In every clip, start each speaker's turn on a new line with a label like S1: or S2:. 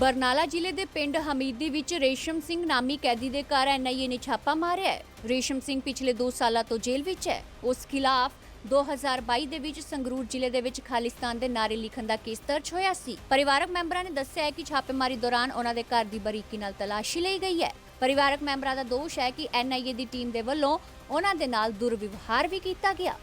S1: ਬਰਨਾਲਾ ਜ਼ਿਲ੍ਹੇ ਦੇ ਪਿੰਡ ਹਮੀਦੀ ਵਿੱਚ ਰੇਸ਼ਮ ਸਿੰਘ ਨਾਮੀ ਕੈਦੀ ਦੇ ਘਰ ਐਨਆਈਏ ਨੇ ਛਾਪਾ ਮਾਰਿਆ ਹੈ। ਰੇਸ਼ਮ ਸਿੰਘ ਪਿਛਲੇ 2 ਸਾਲਾਂ ਤੋਂ ਜੇਲ੍ਹ ਵਿੱਚ ਹੈ। ਉਸ ਖਿਲਾਫ 2022 ਦੇ ਵਿੱਚ ਸੰਗਰੂਰ ਜ਼ਿਲ੍ਹੇ ਦੇ ਵਿੱਚ ਖਾਲਿਸਤਾਨ ਦੇ ਨਾਰੇ ਲਿਖਣ ਦਾ ਕੇਸ ਦਰਜ ਹੋਇਆ ਸੀ। ਪਰਿਵਾਰਕ ਮੈਂਬਰਾਂ ਨੇ ਦੱਸਿਆ ਹੈ ਕਿ ਛਾਪੇਮਾਰੀ ਦੌਰਾਨ ਉਹਨਾਂ ਦੇ ਘਰ ਦੀ ਬਰੀਕੀ ਨਾਲ ਤਲਾਸ਼ੀ ਲਈ ਗਈ ਹੈ। ਪਰਿਵਾਰਕ ਮੈਂਬਰਾਂ ਦਾ ਦੋਸ਼ ਹੈ ਕਿ ਐਨਆਈਏ ਦੀ ਟੀਮ ਦੇ ਵੱਲੋਂ ਉਹਨਾਂ ਦੇ ਨਾਲ ਦੁਰਵਿਵਹਾਰ ਵੀ ਕੀਤਾ ਗਿਆ।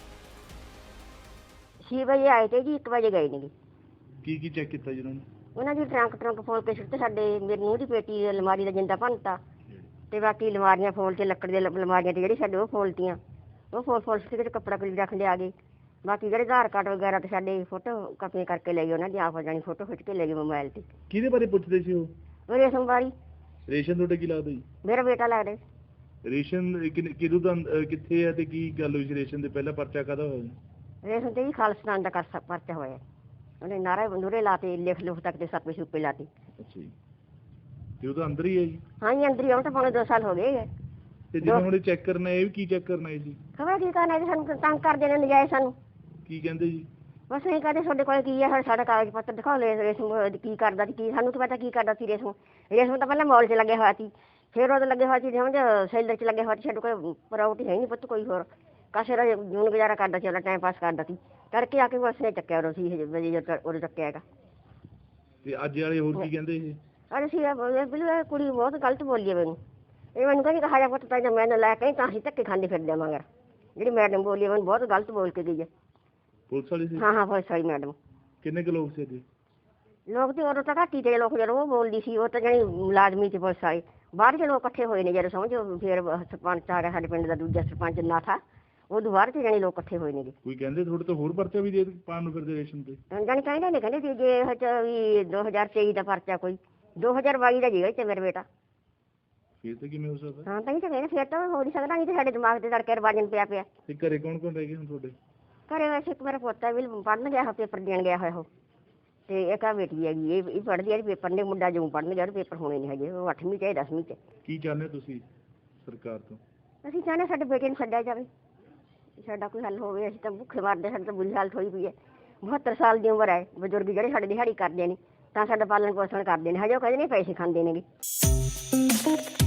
S2: 6 ਵਜੇ ਆਏ ਤੇ ਜੀ 1 ਵਜੇ ਗਏ ਨੇ।
S3: ਕੀ ਚੈੱਕ ਕੀਤਾ ਜੀ
S2: ਉਹਨਾਂ ਦੀ ਟਰੰਕ ਫੋਲ ਕੇ ਸੁੱਟੇ। ਸਾਡੇ ਮੇਰੇ ਨੂੰਹ ਦੀ ਪੇਟੀ ਅਲਮਾਰੀ ਦਾ ਜਿੰਦਾ ਭੰਨਤਾ ਤੇ ਬਾਕੀ ਅਲਮਾਰੀਆਂ ਫੋਲ ਕੇ ਲੱਕੜ ਦੇ ਅਲਮਾਰੀਆਂ ਤੇ ਜਿਹੜੀ ਸਾਡੇ ਉਹ ਫੋਲਤੀਆਂ, ਉਹ ਫੋਲ ਸੁੱਟ ਕੇ ਕੱਪੜਾ ਕੁਝ ਰੱਖ ਲਿਆ ਗਏ। ਬਾਕੀ ਜਿਹੜੇ ਆਧਾਰ ਕਾਰਡ ਵਗੈਰਾ ਤੇ ਸਾਡੇ ਫੋਟੋ ਕਾਪੀਆਂ ਕਰਕੇ ਲੈ ਗਏ, ਉਹਨਾਂ ਦੀ ਆਪ ਜਾਣੀ ਫੋਟੋ ਖਿੱਚ ਕੇ ਲੈ ਗਏ ਮੋਬਾਈਲ ਤੇ।
S3: ਕਿਹਦੇ ਬਾਰੇ ਪੁੱਛਦੇ ਸੀ ਉਹ?
S2: ਰੇਸ਼ਮ ਬਾਰੀ।
S3: ਰੇਸ਼ਨ ਤੁਹਾਡੇ ਕੀ ਲੱਗਦਾ ਜੀ?
S2: ਮੇਰਾ ਬੇਟਾ ਲੱਗਦਾ।
S3: ਰੇਸ਼ਨ ਕਿਦੋਂ ਦਾ ਕਿੱਥੇ ਹੈ ਤੇ ਕੀ ਗੱਲ ਹੋਈ ਸੀ? ਰੇਸ਼ਨ ਦੇ ਪਹਿਲਾ ਪਰਚਾ ਕਾਹਦਾ ਹੋਇਆ?
S2: ਰੇਸ਼ਮ ਤੇ ਜੀ ਖਾਲਿਸਤਾਨ ਦਾ ਪਰਚਾ ਹੋਇਆ। ਉਹਨੇ ਨਾਰੇ ਬੰਦੂਰੇ ਲਾਤੇ, ਲਿਖ ਤੱਕ ਤੇ ਸਾਪੇ ਸੁਪੇ ਲਾਤੇ।
S3: ਅੱਛਾ ਜੀ, ਤੇ ਉਹ ਤਾਂ ਅੰਦਰ ਹੀ ਹੈ ਜੀ?
S2: ਹਾਂ ਜੀ, ਅੰਦਰ ਹੀ। ਹੁਣ ਤਾਂ ਪੌਣੇ 2 ਸਾਲ ਹੋ ਗਏ।
S3: ਤੇ ਜਦੋਂ ਹੁਣ ਚੈੱਕ ਕਰਨਾ, ਇਹ ਵੀ ਕੀ ਚੈੱਕ ਕਰਨਾ ਹੈ ਜੀ?
S2: ਖਬਰ ਕੀ ਕਰਨਾ ਜੀ, ਸਾਨੂੰ ਤੰਗ ਕਰਦੇ ਨੇ ਨਜਾਇਜ਼। ਸਾਨੂੰ
S3: ਕੀ ਕਹਿੰਦੇ ਜੀ?
S2: ਬਸ ਅਸੀਂ ਕਹਿੰਦੇ ਤੁਹਾਡੇ ਕੋਲ ਕੀ ਹੈ, ਸਾਡਾ ਕਾਗਜ਼ ਪੱਤਰ ਦਿਖਾਓ। ਰੇਸ਼ਮ ਕੀ ਕਰਦਾ ਸੀ, ਕੀ ਸਾਨੂੰ ਤਾਂ ਪਤਾ ਕੀ ਕਰਦਾ ਸੀ। ਰੇਸ਼ਮ ਤਾਂ ਪਹਿਲਾਂ ਮੌਲ 'ਚ ਲੱਗਿਆ ਹੋਇਆ ਸੀ, ਫਿਰ ਉਹਦੇ ਲੱਗੇ ਹੋਇਆ ਸੀ ਸਮਝ ਸੈਲਰ 'ਚ ਲੱਗਿਆ ਹੋਇਆ ਸੀ। ਸਾਡੇ ਕੋਲ ਪ੍ਰਾਪਰਟੀ ਹੈ ਨਹੀਂ ਪੁੱਤ ਕੋਈ ਹੋਰ। ਕਾਸੇ ਦਾ ਜੂਨ ਗੁਜ਼ਾਰਾ ਕਰਦਾ ਸੀ, ਉਹਦਾ ਟਾਈਮ ਪਾਸ ਕਰਦਾ ਸੀ। ਕਰਕੇ ਆ ਕੇ ਬਸ ਨੇ ਚੱਕਿਆ ਉਦੋਂ ਸੀ ਉਦੋਂ ਚੱਕਿਆ ਹੈਗਾ।
S3: ਤੇ ਅੱਜ ਵਾਲੇ ਹੋਰ ਕੀ ਕਹਿੰਦੇ ਇਹ?
S2: ਅਰੇ ਸੀ ਬਿਲਕੁਲ ਕੁੜੀ ਬਹੁਤ ਗਲਤ ਬੋਲੀ ਹੈ ਮੈਨੂੰ। ਇਹ ਮੈਨੂੰ ਕਹਿੰਦੀ ਕਹਾ ਜਾ ਪੁੱਤ ਤਾਂ ਜਾਂ ਮੈਨੂੰ ਲੈ ਕੇ ਤਾਂ ਅਸੀਂ ਧੱਕੇ ਖਾਂਦੇ ਫਿਰਦੇ ਮਗਰ। ਜਿਹੜੀ ਮੈਡਮ ਬੋਲੀ ਮੈਨੂੰ ਬਹੁਤ ਗਲਤ ਬੋਲ ਕੇ ਗਈ ਹੈ।
S3: ਪੁਲਿਸ ਵਾਲੀ ਸੀ? ਹਾਂ,
S2: ਪੁਲਿਸ ਵਾਲੀ ਮੈਡਮ।
S3: ਕਿੰਨੇ ਕੁ ਲੋਕ ਸੀ ਜੀ?
S2: ਲੋਕ ਤੇ ਉਦੋਂ ਤਾਂ ਘੱਟ ਹੀ ਤੇ ਲੋਕ ਜਦੋਂ ਉਹ ਬੋਲਦੀ ਸੀ। ਉਹ ਤਾਂ ਜਾਣੀ ਮੁਲਾਜ਼ਮੀ ਚ ਪੁਲਿਸ ਵਾਲੇ ਬਾਹਰ ਦੇ ਲੋਕ ਇਕੱਠੇ ਹੋਏ ਨੇ ਜਦੋਂ ਸਮਝੋ। ਫਿਰ ਸਰਪੰਚ ਆ ਗਿਆ ਸਾਡੇ ਪਿੰਡ ਦਾ, ਦੂਜਾ ਸਰਪੰਚ ਨਾਥਾ, ਉਦੋਂ ਬਾਹਰ ਚ ਜਾਣੀ ਲੋਕ ਇਕੱਠੇ ਹੋਏ ਨੇ ਜੀ।
S3: ਕੋਈ ਕਹਿੰਦੇ ਤੁਹਾਡੇ ਤੋਂ ਹੋਰ ਪਰਚਾ ਵੀ ਦੇ ਪਾਉਣ ਨੂੰ ਫਿਰਦੇ ਰੇਸ਼ਨ ਤੇ?
S2: ਜਾਣੀ ਕਹਿੰਦੇ ਨੇ, ਕਹਿੰਦੇ ਸੀ ਜੇ ਵੀ 2023 ਦਾ ਪਰਚਾ ਕੋਈ 2022 ਦਾ ਜੀਗਾ ਤੇ ਮੇਰਾ ਬੇਟਾ।
S3: ਫਿਰ ਤਾਂ ਕਿਵੇਂ ਹੋ ਸਕਦਾ?
S2: ਹਾਂ ਤਾਂ ਹੀ ਤਾਂ ਕਹਿੰਦੇ ਫਿਰ ਤਾਂ ਹੋ ਨਹੀਂ ਸਕਦਾ। ਨਹੀਂ ਤੇ ਸਾਡੇ ਦਿਮਾਗ ਤੇ ਤੜਕੇ ਰਵਾਜਨ ਪਿਆ।
S3: ਤੇ ਘਰੇ ਕੌਣ ਰਹਿ ਗਏ ਹੁਣ ਤੁਹਾਡੇ?
S2: ਘਰੇ ਵੈਸੇ ਇੱਕ ਮੇਰਾ ਪੋਤਾ ਵੀ ਪੜ੍ਹਨ ਗਿਆ ਹੋਇਆ, ਪੇਪਰ ਦੇਣ ਗਿਆ ਹੋਇਆ ਉਹ। ਤੇ ਇੱਕ ਆ ਬੇਟੀ ਹੈਗੀ, ਇਹ ਪੜ੍ਹਦੀ ਹੈ ਪੇਪਰ ਨੇ। ਮੁੰਡਾ ਜਿਉਂ ਪੜ੍ਹਨ ਗਿਆ, ਪੇਪਰ ਹੋਣੇ ਨਹੀਂ ਹਜੇ। ਉਹ 8ਵੀਂ ਚ 10ਵੀਂ ਚ।
S3: ਕੀ ਚਾਹੁੰਦੇ ਤੁਸੀਂ ਸਰਕਾਰ ਤੋਂ?
S2: ਅਸੀਂ ਚਾਹੁੰਦੇ ਸਾਡੇ ਬੇਟੇ ਨੂੰ ਛੱਡਿਆ ਜਾਵੇ, ਸਾਡਾ ਕੋਈ ਹੱਲ ਹੋਵੇ। ਅਸੀਂ ਤਾਂ ਭੁੱਖੇ ਮਰਦੇ, ਸਾਡੇ ਤਾਂ ਬੁਰੀ ਹਾਲਤ ਹੋਈ ਪਈ ਹੈ। 72 ਸਾਲ ਦੀ ਉਮਰ ਹੈ। ਬਜ਼ੁਰਗ ਜਿਹੜੇ ਸਾਡੇ ਦਿਹਾੜੀ ਕਰਦੇ ਨੇ ਤਾਂ ਸਾਡਾ ਪਾਲਣ ਪੋਸ਼ਣ ਕਰਦੇ ਨੇ, ਹਜੇ ਉਹ ਕਹਿੰਦੇ ਨੇ ਪੈਸੇ ਖਾਂਦੇ ਨੇਗੇ।